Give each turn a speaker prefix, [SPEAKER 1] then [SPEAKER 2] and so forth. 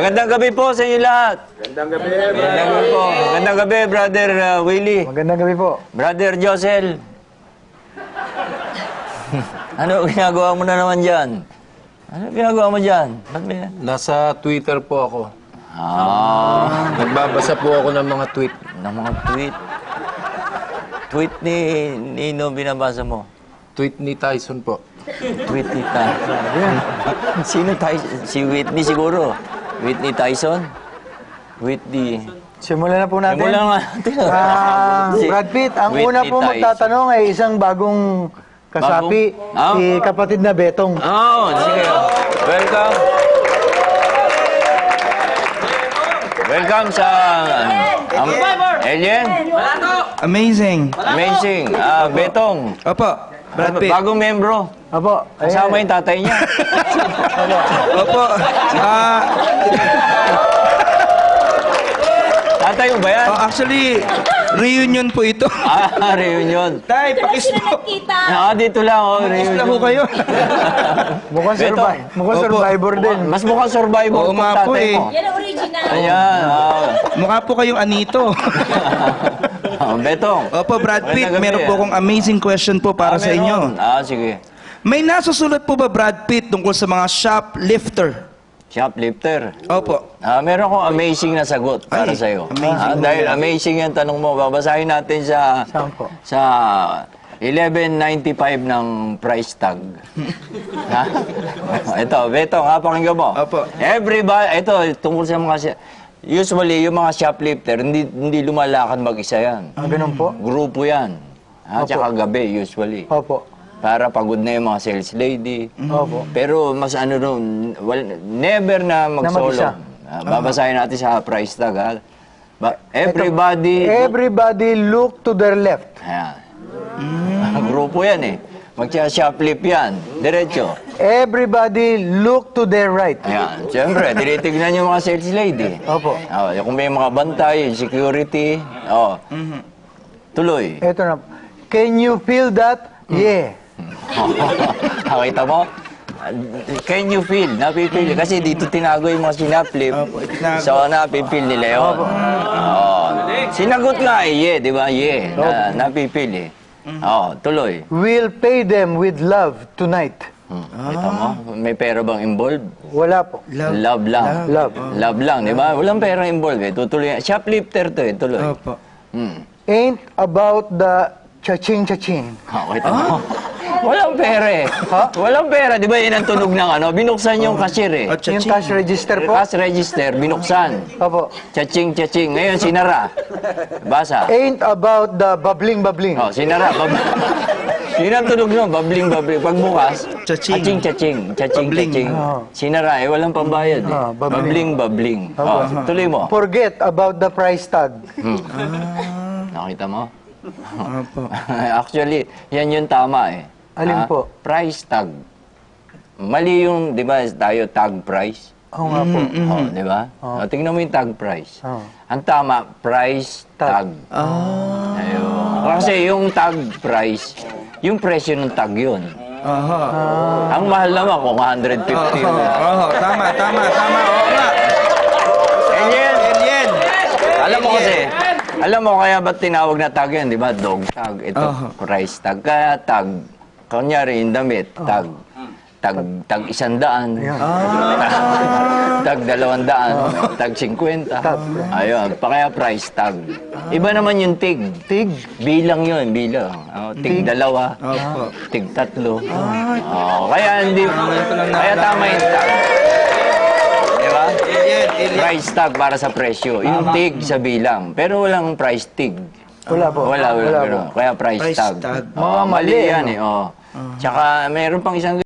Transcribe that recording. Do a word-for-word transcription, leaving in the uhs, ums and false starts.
[SPEAKER 1] Magandang gabi po sa inyo lahat.
[SPEAKER 2] Magandang gabi,
[SPEAKER 1] Magandang gabi po. Magandang gabi, Brother uh, Willie.
[SPEAKER 3] Magandang gabi po.
[SPEAKER 1] Brother Josel. Ano ginagawa mo na naman dyan? Ano ginagawa mo dyan? Ba't may...
[SPEAKER 2] Nasa Twitter po ako.
[SPEAKER 1] Ah,
[SPEAKER 2] Nagbabasa po ako ng mga tweet.
[SPEAKER 1] ng mga tweet. Tweet ni Nino binabasa mo.
[SPEAKER 2] Tweet ni Tyson po.
[SPEAKER 1] Tweet ni Tyson. Sino Tyson? Si Whitney siguro. Whitney Tyson? Whitney...
[SPEAKER 3] Simulan na po natin.
[SPEAKER 1] Simulan nga natin.
[SPEAKER 3] Ah,
[SPEAKER 1] Si
[SPEAKER 3] Brad Pitt, ang
[SPEAKER 1] Whitney
[SPEAKER 3] una po
[SPEAKER 1] Tyson.
[SPEAKER 3] magtatanong ay isang bagong kasapi,
[SPEAKER 1] Bagong? Ah.
[SPEAKER 3] si kapatid na Betong.
[SPEAKER 1] Oh, sige. Welcome. Welcome sa... Um, Alien?
[SPEAKER 4] Amazing.
[SPEAKER 1] Amazing. Ah, Betong.
[SPEAKER 4] Opo, Brad Pitt.
[SPEAKER 1] Bagong membro.
[SPEAKER 3] Apo,
[SPEAKER 1] Kasama yung tatay niya.
[SPEAKER 4] Opo. Ah,
[SPEAKER 1] Tatay mo ba yan?
[SPEAKER 4] oh, actually, reunion po ito.
[SPEAKER 1] Ah, reunion.
[SPEAKER 4] Tay, pakis mo.
[SPEAKER 1] Ah, dito lang, oh,
[SPEAKER 4] Pakis lang
[SPEAKER 1] reunion.
[SPEAKER 4] po kayo.
[SPEAKER 3] mukhang,
[SPEAKER 1] Betong.
[SPEAKER 3] survive, mukhang
[SPEAKER 4] Opo.
[SPEAKER 3] survivor din.
[SPEAKER 1] Mas mukhang survivor
[SPEAKER 4] Oo
[SPEAKER 1] itong
[SPEAKER 4] nga po
[SPEAKER 1] tatay
[SPEAKER 4] eh.
[SPEAKER 1] mo.
[SPEAKER 5] Yan ang original.
[SPEAKER 1] Ayan. ah.
[SPEAKER 4] Mukha po kayong anito.
[SPEAKER 1] Ah, Betong.
[SPEAKER 4] Opo, Brad Pitt,
[SPEAKER 1] Magandang gabi,
[SPEAKER 4] meron po
[SPEAKER 1] ah.
[SPEAKER 4] akong amazing question po para
[SPEAKER 1] Ah,
[SPEAKER 4] sa inyo.
[SPEAKER 1] meron. Ah, sige.
[SPEAKER 4] May nasusulat po ba, Brad Pitt, tungkol sa mga shoplifter?
[SPEAKER 1] Shoplifter.
[SPEAKER 4] Opo.
[SPEAKER 1] Ah, meron akong amazing na sagot para
[SPEAKER 4] Ay,
[SPEAKER 1] sa iyo.
[SPEAKER 4] amazing.
[SPEAKER 1] dahil amazing yung tanong mo, babasahin natin sa
[SPEAKER 3] Saan po?
[SPEAKER 1] sa eleven ninety-five ng price tag. Ha? Ito, Beto, nga pakinggan mo.
[SPEAKER 4] Opo.
[SPEAKER 1] Everybody, ito tungkol sa mga si- usually yung mga shoplifter hindi hindi lumalakad mag-isa yan.
[SPEAKER 3] Ah, ganun po?
[SPEAKER 1] Grupo yan. Ha,
[SPEAKER 3] Opo.
[SPEAKER 1] tsaka gabi usually.
[SPEAKER 3] Opo.
[SPEAKER 1] Para pagod na yung mga sales lady.
[SPEAKER 3] Opo.
[SPEAKER 1] Pero mas ano ron, well, never na mag-solo.
[SPEAKER 3] mag-isa.
[SPEAKER 1] Ah, babasahin natin sa price tag, ha? Ba- everybody...
[SPEAKER 3] Everybody look to their left.
[SPEAKER 1] Ayan. Grupo yan eh. Mag-shoplift yan. Diretso.
[SPEAKER 3] Everybody look to their right.
[SPEAKER 1] Ayan. Siyempre, tinitignan yung mga sales lady.
[SPEAKER 3] Opo.
[SPEAKER 1] Oh, kung may mga bantay, security. Oh. Tuloy.
[SPEAKER 3] Ito na. Can you feel that? Yeah.
[SPEAKER 1] Nakita mo? Can you feel? Napipil. Kasi dito tinago yung mga sinaplip.
[SPEAKER 4] Opo, itinago.
[SPEAKER 1] So, napipil nila yun. Oo. Sinagot nga eh, yeah, di ba? Yeah. Na, napipil eh. Oo, tuloy.
[SPEAKER 3] We'll pay them with love tonight.
[SPEAKER 1] Hmm. Kita mo? May pera bang involved?
[SPEAKER 3] Wala po.
[SPEAKER 4] Love.
[SPEAKER 1] Love lang.
[SPEAKER 3] Love.
[SPEAKER 1] Love lang, di ba? Walang pera involved eh. Tutuloy. Shoplifter to eh, tuloy.
[SPEAKER 4] Opo.
[SPEAKER 1] Hmm.
[SPEAKER 3] Ain't about the cha-ching-cha-ching.
[SPEAKER 1] Oh, kita mo? Walang pera eh. Walang pera. Di ba yun ang tunog ng ano? Binuksan yung cashier eh.
[SPEAKER 4] At
[SPEAKER 3] Yung
[SPEAKER 4] cha-ching.
[SPEAKER 3] cash register po?
[SPEAKER 1] Cash register, binuksan.
[SPEAKER 3] Opo.
[SPEAKER 1] Chaching, chaching. Ngayon, sinara. Basa.
[SPEAKER 3] Ain't about the bubbling-bubbling.
[SPEAKER 1] Oh, sinara. Bab Yun ang tunog nun. Babling, babling. Pagbukas,
[SPEAKER 4] Chaching.
[SPEAKER 1] chaching, chaching. Chaching,
[SPEAKER 4] Babling.
[SPEAKER 1] chaching.
[SPEAKER 3] Oh.
[SPEAKER 1] Sinara eh. Walang pambayad eh.
[SPEAKER 3] Ah,
[SPEAKER 1] Babling,
[SPEAKER 3] babling.
[SPEAKER 1] babling. Oh, tuloy mo.
[SPEAKER 3] Forget about the price tag.
[SPEAKER 1] Nakita mo?
[SPEAKER 4] Opo.
[SPEAKER 1] Actually, yan yung tama eh.
[SPEAKER 3] Alin
[SPEAKER 1] Ah,
[SPEAKER 3] po?
[SPEAKER 1] Price tag. Mali yung, di ba, tayo tag price.
[SPEAKER 3] Oo nga po.
[SPEAKER 1] Oh, di ba? Oh. tingnan mo yung tag price.
[SPEAKER 3] Oh.
[SPEAKER 1] Ang tama, price tag.
[SPEAKER 3] Tag.
[SPEAKER 4] Ah.
[SPEAKER 1] Ayun. Kasi yung tag price, yung presyo ng tag yun.
[SPEAKER 4] Aha.
[SPEAKER 1] Ang mahal naman kung one hundred fifty.
[SPEAKER 4] Oo, oo, tama, tama, tama. Oo nga.
[SPEAKER 1] Alien!
[SPEAKER 4] Alien.
[SPEAKER 1] Alam mo kasi, alam mo kaya ba't tinawag na tag yan, di ba? Dog tag. Ito,
[SPEAKER 4] Aha.
[SPEAKER 1] price tag. Kaya tag. Kunyari, yung damit, tag. Tag, tag isang daan. Tag dalawang daan. Tag singkwenta. Ayun, pa kaya price tag. Iba naman yung tig.
[SPEAKER 3] Tig.
[SPEAKER 1] Bilang yun, bilang. Oh, tig dalawa.
[SPEAKER 4] Opo.
[SPEAKER 1] Tig tatlo. Oh, kaya hindi, kaya tama yung tag. Di ba?
[SPEAKER 4] Alien, alien.
[SPEAKER 1] Price tag para sa presyo. Yung tig sa bilang. Pero walang price tig.
[SPEAKER 3] Wala po.
[SPEAKER 1] Wala, wala.
[SPEAKER 3] Wala
[SPEAKER 1] pero,
[SPEAKER 3] po.
[SPEAKER 1] Kaya price,
[SPEAKER 4] Price
[SPEAKER 1] tag.
[SPEAKER 4] tag.
[SPEAKER 1] Oh,
[SPEAKER 3] Mga
[SPEAKER 1] mali
[SPEAKER 3] mali,
[SPEAKER 1] yan
[SPEAKER 3] ano?
[SPEAKER 1] eh. Oh. Tsaka meron pang isang